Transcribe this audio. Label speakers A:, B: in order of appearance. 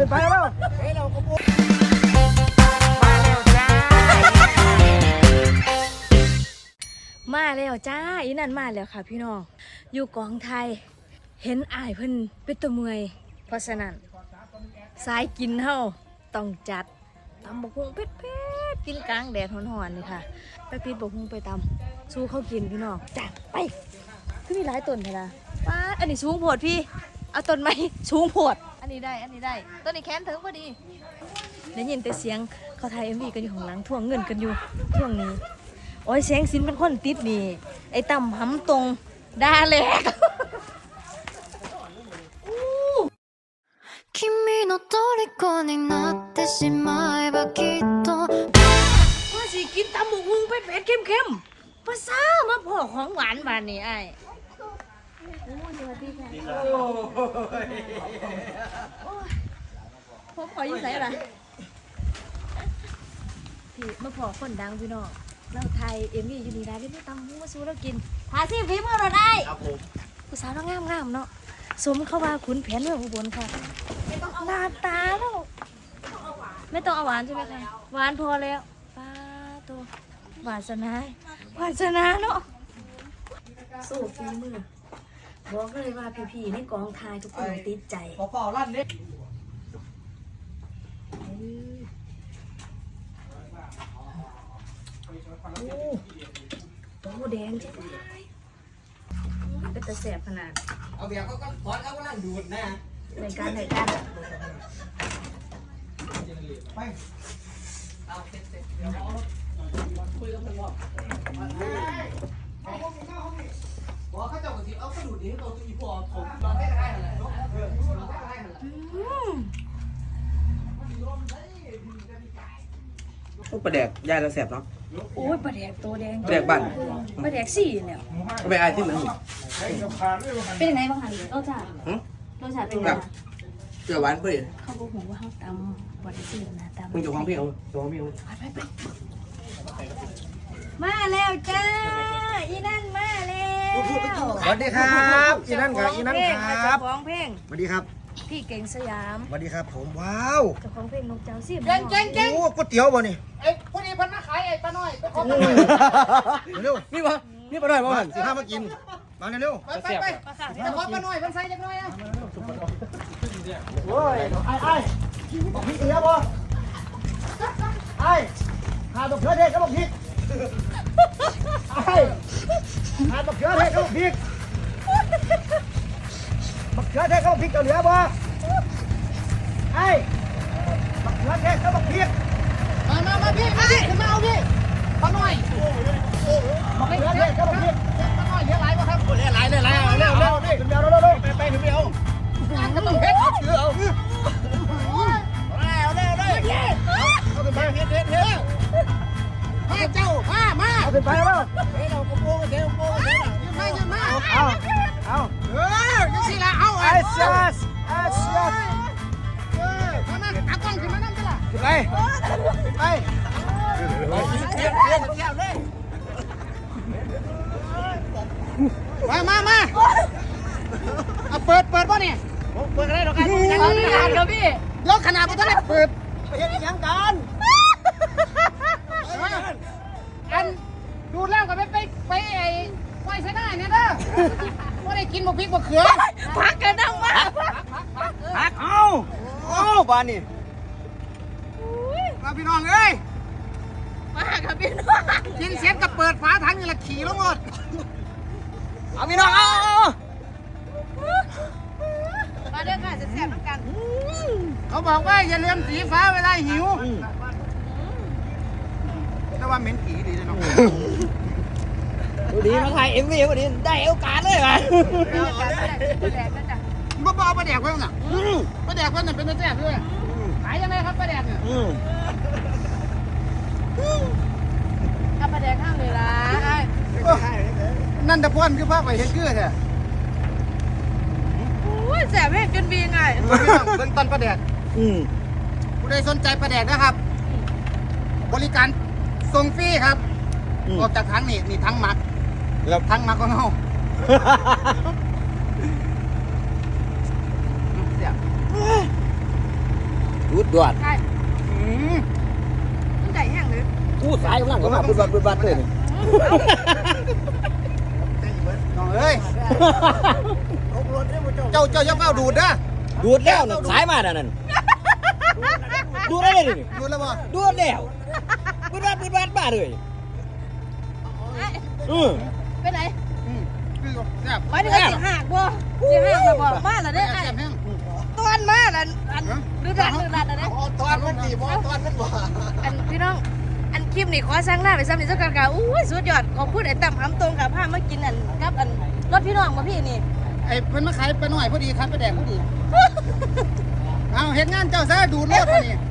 A: ขึ้นไปแล้ว
B: มาแล้วจ้าอีนั่นมาแล้วค่ะพี่น้องอยู่กองไทยเห็นอ้ายเพิ่นเป็นตัวเมื่อยเพราะฉะนั้นสายกินเฮาต้องจัดตำบักหุ่งเผ็ดๆกินกลางแดดร้อนๆนี่ค่ะไปปิดบักหุ่งไปตำสู้เขากินพี่น้องจ้าไปคือมีหลายต้นเถอะนะป้าอันนี้สูงโพดพี่เอาต้นไม้สูงโพดอันนี้ได้ต้นนี้แค้นถึงพอดีได้ยินแต่เสียงเขาถ่าย MV กันอยู่ข้างหลังทวงเงินกันอยู่ช่วงนี้โอ้ยแสงสินเป็นคนติดนี่ไอ้ต่ำหำตรงด่าแหลก
C: 君の虜になってしまえばきっと
B: ว่าสิกินตำหมูหุงเผ็ดๆเข้มๆภาษามาพ่อของหวานบานนี่ไอ้โอ้สวัสดีค่ะผมขอยิ้มใส่อะไรพี่มาพ่อคนดังพี่น้องเราไทยMVอยู่นี่ได้เล่นตำหมูมาสู้เรากินหาซิฝีมือเราได้ครับผมผู้สาวเรางามเนาะสมเข้าว่าขุนแผนเมืองอุบลค่ะหน้าตาแล้วไม่ต้องเอาหวานใช่ไหมคะหวานพอแล้วป้าตัววาสนาเนาะสู้ฝีมือบอกเลยว่าพี่ๆในกองทายทุกคนติดใจ
A: ขอเป่าลั่นนิด
B: โอ้แดงจังเลยเป็นตะแสบขนาด
A: เอาเบียร์ก็ถอนเขาก็ลั่นดูดนะ
B: ในการไป
A: เอาเสร็จเดี๋ยวคุยกับมันว่าบอกเขาเจ้าก็สิเอากระดูดนี้ตัวอีพอผมนอนได้ก็ได้นั่นแหละเนาะนอนได้ก็ได้นั่นแหละ
D: โอ้ปลาแดกย่ายแล้วแสบเนาะ
B: โอ้ยปลาแดกตัวแดง
D: ปลาแดกบ้าน
B: ปลาแดกสี่แล้ว
D: ก็ไปอายที่เหมือน
B: เป็นยังไงบ้างคะรสชาติเป็นยังไง
D: เสือหวานเพื่อน
B: เขาบอกผมว่าเขาตำปลาแดกสี่นะตำ
D: มึงจะของพี่เอาจะของพี่เอา
B: ไปมาแล้วจ้าอีนั่นมาแล้ว
A: สวัสดีครับอีนั่นครับอีนั่นครับ
B: เจ้าของเพลง
A: สวัสดีครับ
B: พี่เก่งสยาม
A: สวัสดีครับผมว้าว
B: เจ้าของเพลงนกเจ้าสิบ
A: โอ้ก๋วยเตี๋ยวบ่นี่
E: ไอ้พวกนี้เพิ่นมาขายไอ้ป้าน้อยไปขอ
A: เร็ว
D: นี่ปะนี่ปลาหน่อยปะหัน
A: สิพามากินมาเร็ว
E: ไปจะขอป้าน้อยเพิ่นใส่จักหน่อยอ่ะ
A: โอ้ยไอ้บอกพี่เตี๋ยวบ่ไอ้หาดอกเขือเทศกับบอกพริกไอ้หาดอกเขือเทศกับบอกพริกบักเขือเทศกับบอกพริกเจ้าเหลือบ่ไอ้บักเขือเทศกับบอกพริก
E: มาพี่ขึ้นมาเอาพี่ป้าน้อย
A: บักเขือเทศกับบอกพริก
E: ป้าน้อยเลี้ยงหลายบ่ครับ
A: เร็วเร็วนี่ขึ้นเร็วไปขึ้นเร็ว
E: งานก็ต้องเฮ็ดเอา
A: เร็วเอาขึ้นไปเฮ็ด
E: มาเจ้ามา
A: เอาขึ้นไปแล้ว
E: เฮ้ยเรากระโปรงเดี๋ยวโปรงเดี๋ยวยืนมา
A: เอา
E: จังซี่ล่ะเอา
A: ไอ้เสียส
E: มาตากล้องขึ้นมานั่นจ้ะล่ะ
A: ขึ้นไป
E: มาเอาเปิดบ่เนี่ย
A: เปิดอะไรหรอกกัน
B: ครับพี่
E: ยกขนาดบ่ทันได้เปิด
A: ไปเฮ็ดยังกัน
E: อันดูแล้วก็ไปไอ้ไว้ใส่ได้เนี่ยเด้อบ่ได้กินบ่พริกบ่เขือ
B: พักกันดังมาก
A: พักเอาบ้านนี่มาพี่น้องเอ้ย
B: มาครับพี่น้อง
E: กินเสร็จก็เปิดฝาถังนี่ละขี่ลงหมด
A: เอาพี่น้องเอา
B: มาเด้อค่ะจะแซ่บกัน
E: เขาบอกว่าอย่าลืมสีฟ้าเวลาหิว
A: แต่ว่าเหม็นผีดีเลยเนาะ
D: ดีมาถ่ายMVวันนี้ได้โอกาสเลยว่ะ
E: บ่เอาปลาแดกไว้น่ะปลาแดกไว้น่ะเป็นแซ่บด้วยขายยังไงครับปลาแดกเนี่ย
B: ถ้าประแดกข้างเลยล่ะ
E: นั่นตะพอนคือภาพไปเฮ็ดคือแท้
B: โอ้ยแซ่บแม่จนบีไง
E: เบิ่งต้นปลาแดกผู้ใดสนใจปลาแดกนะครับ บริการส่งฟรีครับออกจากถังนี่ถังหมักถังหมักของเฮา
D: ดวด
B: ใช่มันได้ยังหรือ
D: กู้สายกำลังก็มาบุดบัดเลยนี่
E: น้องเอ้ยเจ้าอย่าเฝ้าดูดนะ
D: ดูดแล้วน่ะสายมาแล้วนั่นดูดได้เลยนี่
E: ดูดแล้วบ่
D: ดูดแล้วบุดบัดมาเลย
B: ไปไหน
E: คือแซ่บ
B: หมายถึงสิหักบ่สิหักบ่มาแล้วเด้อไอ้
E: แซ่บแห้ง
B: ตอนมาแล้วอันดูดันอะเด้
A: ตอนมันดีบ่ตอนมันบ่
B: อันพี่น้องอันคลิปนี่ขอสร้างหน้าไปซ้ำนี่เจ้ากันกะอุ้ยสุดยอดขอบคุณไอ้ตั้มหำตรงกับผ้ามากินอันกับอันรถพี่น้องมาพี่นี่
E: ไอ้เพิ่นมาขายไปหน่อยพอดีครับไปแดกพอดีเอาเห็นงานเจ้าซะดูดรถมานี่